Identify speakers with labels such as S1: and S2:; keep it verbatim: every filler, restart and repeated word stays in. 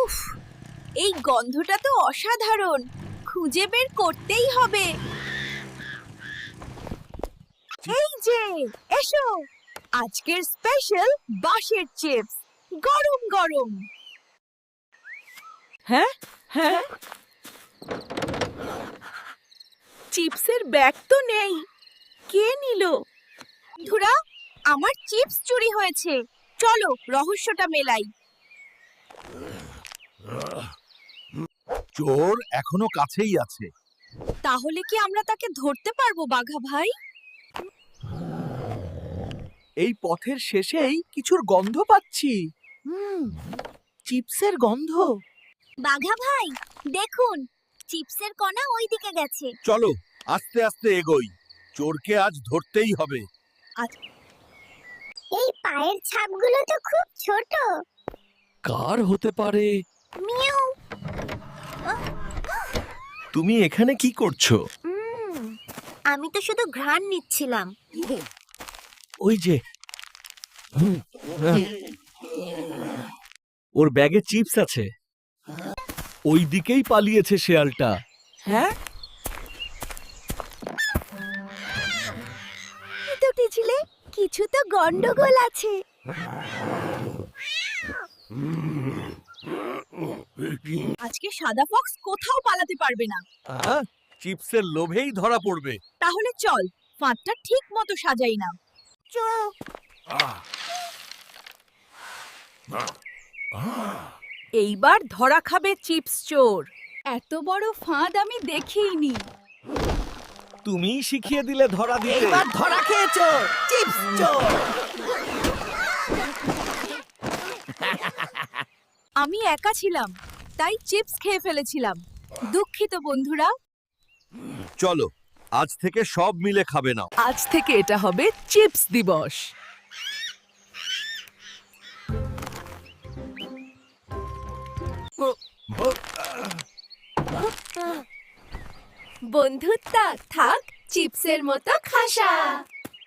S1: উফ, এই গন্ধটা তো অসাধারণ। খুঁজে বের করতেই হবে। এই যে, এসো, আজকের স্পেশাল বাঁশের চিপস, গরম গরম।
S2: হ্যাঁ হ্যাঁ চিপসের ব্যাগ তো নেই। কে নিল?
S1: বন্ধুরা, আমার চিপস চুরি হয়েছে। চলো রহস্যটা মেলাই।
S3: চোর এখনো কাছেই আছে।
S1: তাহলে কি আমরা তাকে ধরতে পারবো বাঘা ভাই?
S2: এই পথের শেষেই কিছুর গন্ধ পাচ্ছি। হুম, চিপসের গন্ধ।
S1: বাঘা ভাই, দেখুন, চিপসের কণা ওই দিকে গেছে।
S3: চলো আস্তে আস্তে এগোই, চোরকে আজ ধরতেই হবে।
S4: এই পায়ের ছাপগুলো তো খুব ছোট।
S5: কার হতে পারে?
S4: মিউ।
S5: তুমি এখানে কি করছো?
S4: আমি তো শুধু ঘ্রাণ নিচ্ছিলাম।
S5: ওই যে ওর ব্যাগে চিপস আছে। ওই দিকেই পালিয়েছে শেয়ালটা।
S2: হ্যাঁ,
S1: দুটি ছিলে, কিছু তো গন্ডগোল আছে। আজকে সাদা ফক্স কোথাও পালাতে পারবে না।
S3: আহ, চিপসের লোভেই ধরা পড়বে।
S1: তাহলে চল, ফাঁদটা ঠিক মতো সাজাই না। এইবার ধরা খাবে চিপস চোর। এত বড় ফাঁদ আমি দেখিনি।
S5: তুমিই শিখিয়ে দিলে ধরা দিতে।
S2: এইবার ধরা খেয়েছো, চিপস চোর।
S1: আমি একা ছিলাম, তাই চিপস খেয়ে ফেলেছিলাম। দুঃখিত বন্ধুরা।
S3: চলো আজ থেকে সব মিলে খাবে না।
S2: আজ থেকে এটা হবে চিপস দিবস।
S1: বন্ধুত্ব থাক চিপসের মতো খাসা।